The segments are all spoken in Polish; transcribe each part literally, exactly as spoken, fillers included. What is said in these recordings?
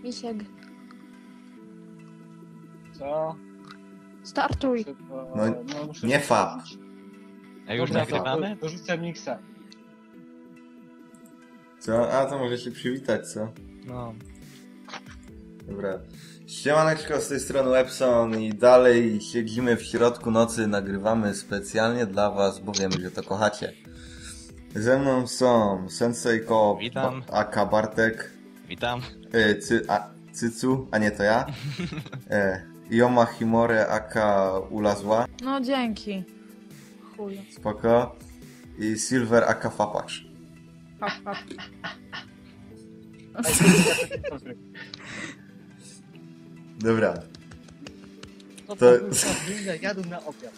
Misiek. Co? Startuj. Szybko, No, no, muszę nie fa. wrócić. A już Dobra, to nagrywamy? Dorzucę miksa. Co? A, to może się przywitać, co? No. Dobra. Siemaneczko, z tej strony Epson i dalej siedzimy w środku nocy, nagrywamy specjalnie dla was, bo wiemy, że to kochacie. Ze mną są Sensejko, Witam. Ba- aka Bartek, Witam. y, cy, a, Cycu, a nie to ja, e, Yoma Himore, aka Ula Zła, No dzięki. Chuju. spoko, i Silver, aka Fapacz. Hap, hap. Ej, ja takie pozdry. Dobra. To, To- to... to jadą na obiad.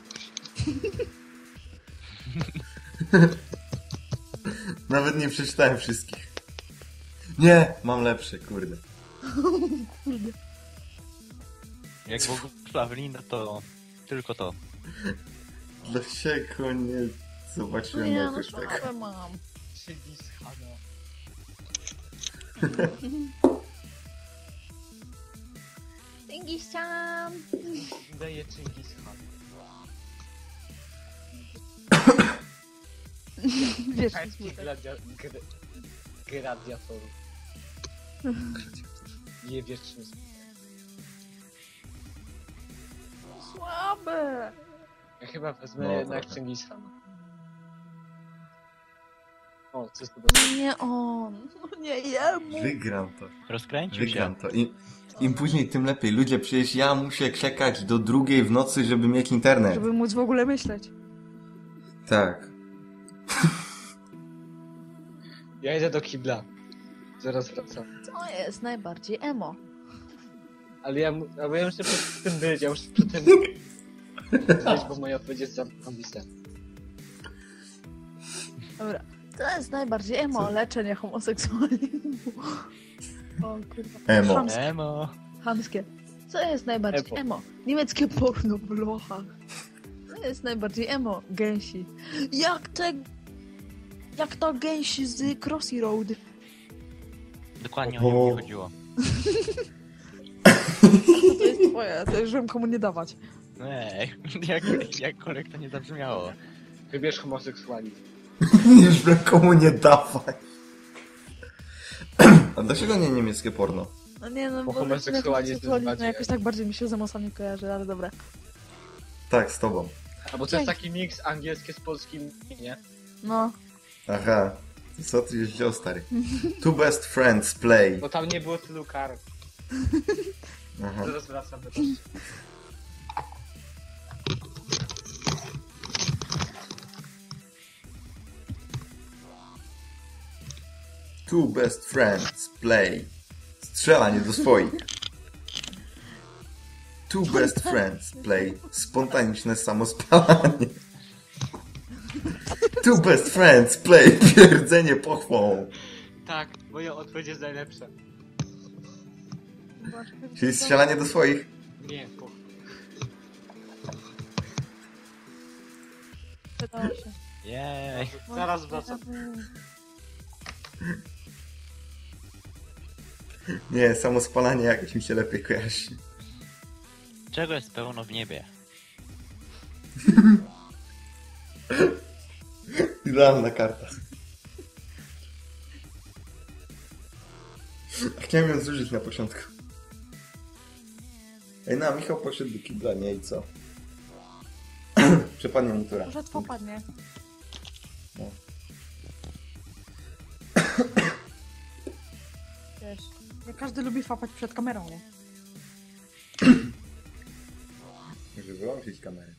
Nawet nie przeczytałem wszystkich. Nie, mam lepsze, kurde. Jak w ogóle Ewelina, to tylko to. Dlaczego nie zobaczyłem Nie, no jakoś tego? słabe mam. Czyli schada. Dzięki ścian. Daje Chingis Khan. Wiesz, Pański gladia... gr... gladiatorów. Nie wiesz czym jest. słabe. Ja chyba wezmę No, jednak trochę. Chingis Khan. O, co jest to? Nie on. No nie jemu. Wygram to. Rozkręcił Wygram się. to. Im, Im później, tym lepiej. Ludzie, przecież ja muszę czekać do drugiej w nocy, żeby mieć internet. Żeby móc w ogóle myśleć. Tak. Ja idę do kibla. Zaraz wracam. Co jest najbardziej emo? Ale ja, mu- ale ja muszę przed tym być, ja muszę przed tym być, bo moja odpowiedź jest zarąbista. Dobra. To jest najbardziej emo. Co? Leczenie homoseksualizmu. O kurwa. Emo. Chamskie. Emo. Chamskie. Co jest najbardziej Epo. emo? Niemieckie porno w lochach. Co jest najbardziej emo? Gęsi. Jak te... Jak to gęsi z Crossy Road. Dokładnie O. o nią mi chodziło. To jest twoje, to już żebym komu nie dawać. Ej, jak, jakkolwiek to nie zabrzmiało. Wybierz homoseksualizm. Już bym komu nie dawać. A dlaczego nie niemieckie porno? No nie no, Bo bo homoseksualizm jest homoseksualizm bardziej- jakoś tak bardziej mi się z emocami kojarzy, ale dobra. Tak, z tobą. A bo to jest taki miks angielskie z polskim, nie? No. Aha. Co ty już wziął, stary? Two best friends play. Bo tam nie było tylu kar. Aha. Zaraz wracam, wybaczcie. Two best friends play. Strzelanie do swoich. Two best friends play. Spontaniczne samospalanie. Two best friends play. Pierdzenie pochwą. Tak, moja odpowiedź jest najlepsza. Czyli strzelanie do swoich. Nie, po... Pytałam się. Jej. Zaraz wracam. Nie, samospalanie jakoś mi się lepiej kojarzy. Czego jest pełno w niebie? Idealna karta. Chciałem ją zużyć na początku. Ej, no, Michał poszedł do kibla, nie? I co? Przepadnie mu tura. Może popadnie. No. Wiesz, nie każdy lubi fapać przed kamerą, nie? Może wyłączyć kamerę.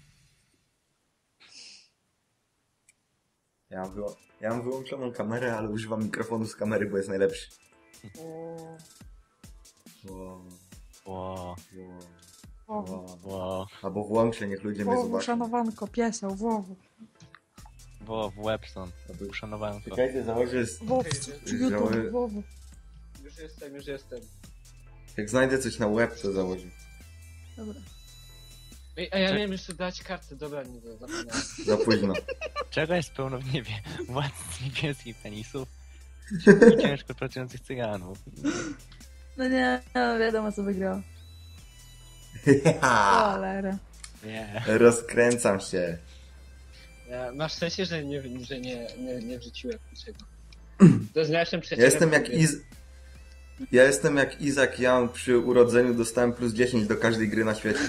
Ja mam, wyło- ja mam wyłączoną kamerę, ale używam mikrofonu z kamery, bo jest najlepszy. O, Wow, Ło, o, wow, wow. ło, Albo włączę, niech ludzie mnie o, zobaczą. uszanowanko, pieseł, wowu. ło, w Webson. Albo- Uszanowanko. Czekajcie, założę... z- Wowu, Okej, YouTube, wowu. Już jestem, już jestem. Jak znajdę coś na web, to założę. Dobra. Ej, a ja miałem jeszcze dać kartę, dobra, nie to zapomniałem. Za późno. Czego jest pełno w niebie? Władz niebieskich penisów i ciężko pracujących cyganów. No nie, no wiadomo co wygrał. Cholera. Nie. Rozkręcam się. Ja, masz w sensie, że nie, że nie, nie, nie wrzuciłem niczego. To jest najlepszym Ja przyjacielem. jestem jak który- Iz... Ja jestem jak Isaac Young przy urodzeniu dostałem plus dziesięć do każdej gry na świecie.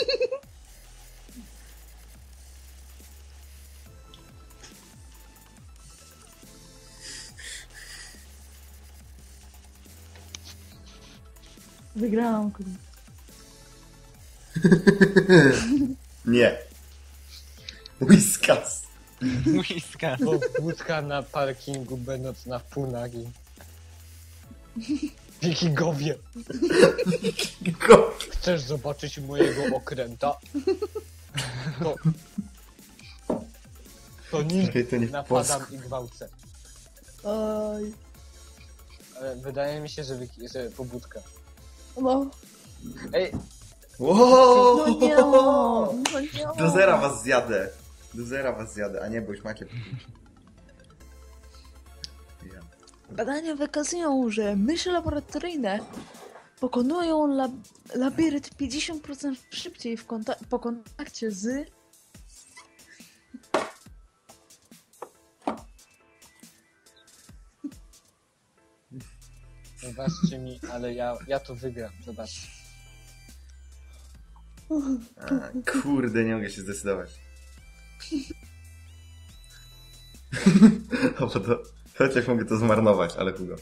Wygrałam, kurde. Nie. Whiskas. Łyska. Pobudka na parkingu, będąc na pół nagi. Wikingowie, Go. chcesz zobaczyć mojego okręta? To... To nim Czekaj, to nie w napadam polsku. i gwałcę. Oj. Ale wydaje mi się, że, wiki... że pobudka. No. Ej, Wow. No nie, no nie. Do zera was zjadę. Do zera was zjadę, a nie, bo już macie. Ja. Badania wykazują, że myszy laboratoryjne pokonują lab labirynt pięćdziesiąt procent szybciej w konta po kontakcie z... zobaczcie mi, ale ja, ja to wygram, zobaczcie. A, kurde, nie mogę się zdecydować. O, bo to, chociaż mogę to zmarnować, ale chudo.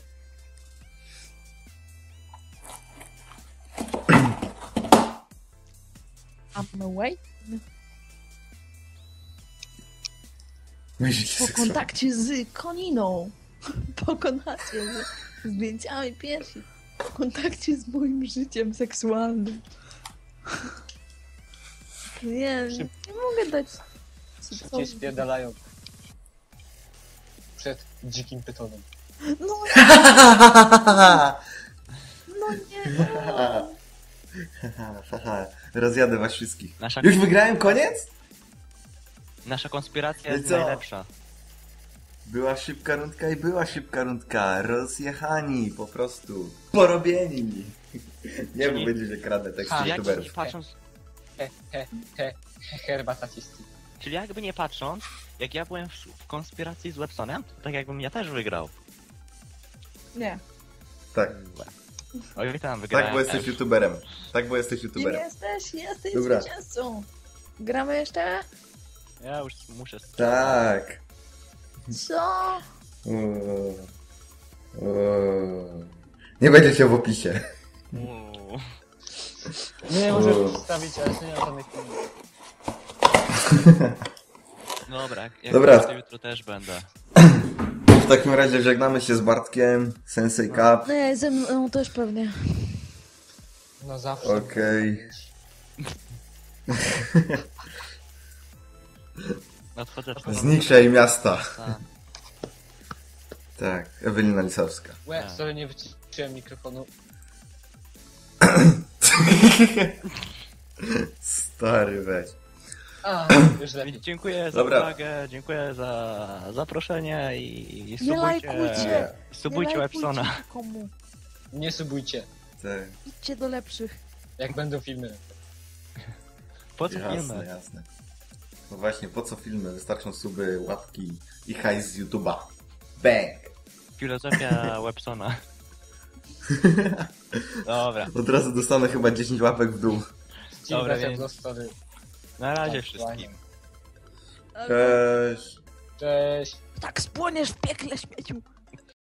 I'm wait. Myślicie Po seksualnie. kontakcie z koniną. Po kontakcie z zdjęciami piersi. Po kontakcie z moim życiem seksualnym. Nie, nie mogę dać... Szybciej spierdalają. Przed dzikim pytonem. No, no nie, no. Haha, rozjadę was wszystkich. Nasza, Już wygrałem koniec? nasza konspiracja No i jest co? najlepsza. Była szybka rundka i była szybka rundka. Rozjechani, po prostu. Porobieni. Nie, bo Czyli- będzie się kradę tekst Ha, Czyli jakby nie youtuberów. patrząc, He, he, he, he, herbata cisty. czyli jakby nie patrząc, jak ja byłem w, w konspiracji z Websonem, to tak jakbym ja też wygrał. Nie, Tak, Oj, tam wygrałem. tak, bo jesteś też. youtuberem. Tak, bo jesteś kim youtuberem. jesteś? Jesteś Dobra. zwycięzcą. Gramy jeszcze? Ja już muszę... Tak. Co? Uuu. Uuu. Nie będzie się w opisie. Uuu. Nie możesz O. przedstawić, ale to nie ma żadnych filmów. Dobra, jak Dobra. to jutro też będę. W takim razie żegnamy się z Bartkiem, Sensei Cup. Nie, ze mną też pewnie. No zawsze. Okej. Nadchodzę Z niczej miasta. A, Tak, Ewelina Lisowska. Łe, Tak. sorry, nie wyciszyłem mikrofonu. Stary weź. A, już lepiej. Dziękuję za Dobra. uwagę, dziękuję za zaproszenie i, i Nie subujcie, lajkujcie. subujcie Nie Websona. lajkujcie nikomu. Nie subujcie, Tak, Idźcie do lepszych. jak będą filmy. Po co jasne, filmy? jasne. No właśnie, po co filmy? Wystarczą suby, łapki i hajs z YouTube'a. Bang! Filozofia Websona. Dobra, Od razu dostanę chyba dziesięć łapek w dół. Dobra, Dobra, więc- więc... story. na razie Tak, wszystkim. Cześć! Cześć. Tak spłoniesz w piekle, śmieciu.